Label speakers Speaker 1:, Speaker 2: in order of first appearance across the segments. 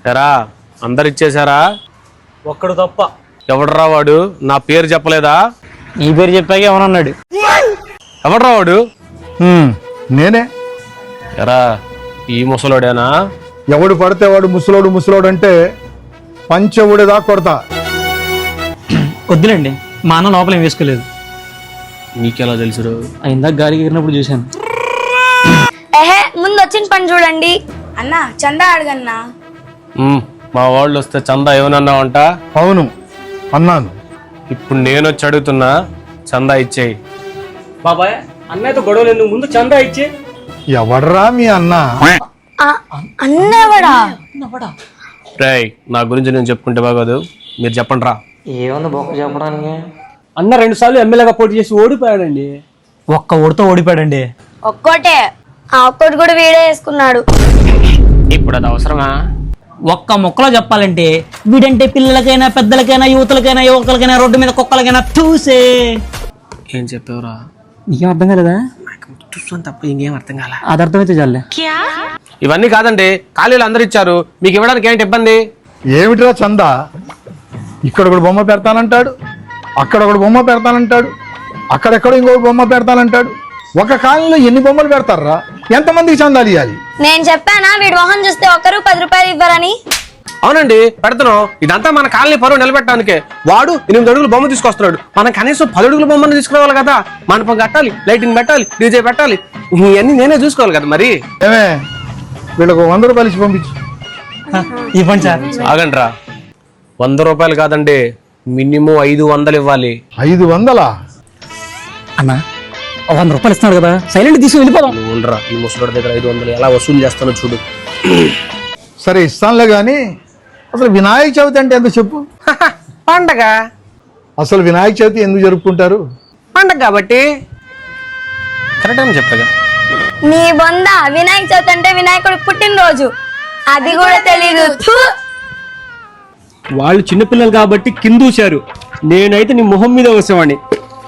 Speaker 1: ఎరా అందరు ఇచ్చేసారా?
Speaker 2: ఒక్కడు తప్ప.
Speaker 1: ఎవడరా వాడు? నా పేరు చెప్పలేదా?
Speaker 2: ఈ పేరు చెప్పాక ఏమన్నాడు?
Speaker 1: ఎవడరా వాడు?
Speaker 3: నేనే.
Speaker 1: ఎరా ఈ ముసలోడేనా?
Speaker 3: ఎవడు పడితే వాడు ముసలోడు అంటే పంచవుడిదా కొడతా.
Speaker 2: వద్దులేండి, మా అన్న లోపల ఏం వేసుకోలేదు.
Speaker 1: నీకెలా తెలుసు?
Speaker 2: ఇందాక గాలికి ఎగిరినప్పుడు చూశాను.
Speaker 4: ముందు వచ్చిన పని చూడండి
Speaker 5: అన్నా. చందా అడగన్నా.
Speaker 1: మా వాళ్ళు వస్తే చందా ఏమన్నావంట?
Speaker 3: అవును అన్నాను.
Speaker 1: ఇప్పుడు నేను వచ్చి అడుగుతున్నా, చందా ఇచ్చేయి.
Speaker 2: బాబాయ్ అన్నయ్యతో గొడవలు ఎందుకు, ముందు చందా ఇచ్చే.
Speaker 3: ఎవడరా మీ అన్న?
Speaker 4: అన్నవాడా?
Speaker 1: రేయ్ నా గురించి నేను చెప్పుకుంటే బాగోదు, మీరు చెప్పండి రా.
Speaker 2: ఏమన్నా బొక్క చెప్పడానికి? అన్న 2 సార్లు ఎమ్మెల్యేగా పోటీ చేసి ఓడిపోయాడండి. ఒక్క ఓడితో ఓడిపోయాడండి.
Speaker 4: ఒక్కోటే, ఆ ఒక్కటి కూడా వీడే వేసుకున్నాడు.
Speaker 1: ఇప్పుడు అది అవసరమా?
Speaker 2: ఒక్క మొక్కలో చెప్పాలంటే వీడంటే పిల్లలకైనా పెద్దలకైనా యువతలకైనా యువకులకైనా రోడ్డు మీద కుక్కలకైనా చూసే.
Speaker 1: ఏం చెప్పావురా?
Speaker 2: నీకేం అర్థం కాలేదా?
Speaker 1: తప్ప ఇంకేం అర్థం కాల.
Speaker 2: అది అర్థమైతే చాలే.
Speaker 1: ఇవన్నీ కాదండి, ఖాళీలు అందరు ఇచ్చారు, మీకు ఇవ్వడానికి ఏంటి ఇబ్బంది?
Speaker 3: ఏమిటిరా చందా? ఇక్కడ ఒకడు బొమ్మ పెడతానంటాడు, అక్కడ ఒకడు బొమ్మ పెడతానంటాడు, అక్కడెక్కడో ఇంకొక బొమ్మ పెడతానంటాడు. ఒక కాలంలో ఎన్ని బొమ్మలు పెడతారా? ఎంతమందికి చందాలు ఇవ్వాలి?
Speaker 4: నేను చెప్పానా వీడి మొహం చూస్తే ఒక్కరు 10 రూపాయలు ఇవ్వరని?
Speaker 1: అవునండి పెడతాను. ఇదంతా మన కాలనీ పరువు నిలబెట్టడానికే. వాడు 8 అడుగుల బొమ్మ తీసుకొస్తున్నాడు, మనం కనీసం 10 అడుగుల బొమ్మను తీసుకురావాలి కదా. మండపం కట్టాలి, లైటింగ్ పెట్టాలి, డీజే పెట్టాలి, ఇవన్నీ నేనే చూసుకోవాలి కదా. మరి
Speaker 3: ఏమే వీళ్ళకు 100 రూపాయలు ఇచ్చి పంపించు.
Speaker 2: ఇవ్వండి సార్.
Speaker 1: ఆగండి రా, 100 రూపాయలు కాదండి, మినిమం 500 ఇవ్వాలి.
Speaker 3: 500?
Speaker 2: అన్న 100 రూపాయలు ఇస్తున్నాడు కదా, సైలెంట్ తీసుకుని వెళ్ళిపోదాం.
Speaker 1: నువ్వు ఉండరా, ఈ ముసలోడి దగ్గర 500 ఎలా వసూలు చేస్తానో చూడు.
Speaker 3: సరే ఇస్తానులే కానీ అసలు వినాయక చవితి అంటే ఎంత చెప్పు?
Speaker 1: పండగ.
Speaker 3: అసలు వినాయక చవితి ఎందుకు జరుపుకుంటారు?
Speaker 1: పండగ కాబట్టి. కరెక్ట్ అని చెప్పగా.
Speaker 4: నీ బొంద, వినాయక చవితి అంటే వినాయకుడి పుట్టినరోజు, అది కూడా తెలీదు.
Speaker 2: వాళ్ళు చిన్నపిల్లలు కాబట్టి కిందూశారు, నేనైతే నీ మొహం మీద వచ్చేవాడిని.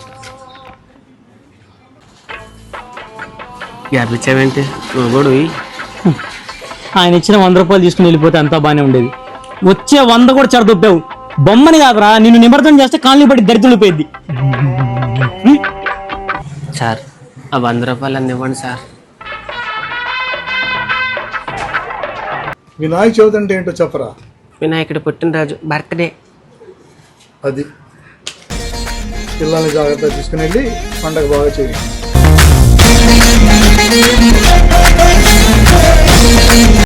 Speaker 1: గ్యాపించావేంటి గోడు?
Speaker 2: ఆయన ఇచ్చిన 100 రూపాయలు తీసుకుని వెళ్ళిపోతే అంతా బాగానే ఉండేది. వచ్చే 100 కూడా చెడదొప్పావు. బొమ్మని కాదురా, నిన్ను నిమజ్జనం చేస్తే కాలనీ పడి దరిద్రులిపోయింది.
Speaker 1: సార్ ఆ 100 రూపాయలు అన్ని ఇవ్వండి సార్.
Speaker 3: వినాయక చవితి అంటే ఏంటో చెప్పరా?
Speaker 1: వినాయకుడి పుట్టినరోజు, బర్త్డే.
Speaker 3: అది పిల్లల్ని జాగ్రత్తగా తీసుకుని వెళ్ళి పండగ బాగా చేయండి.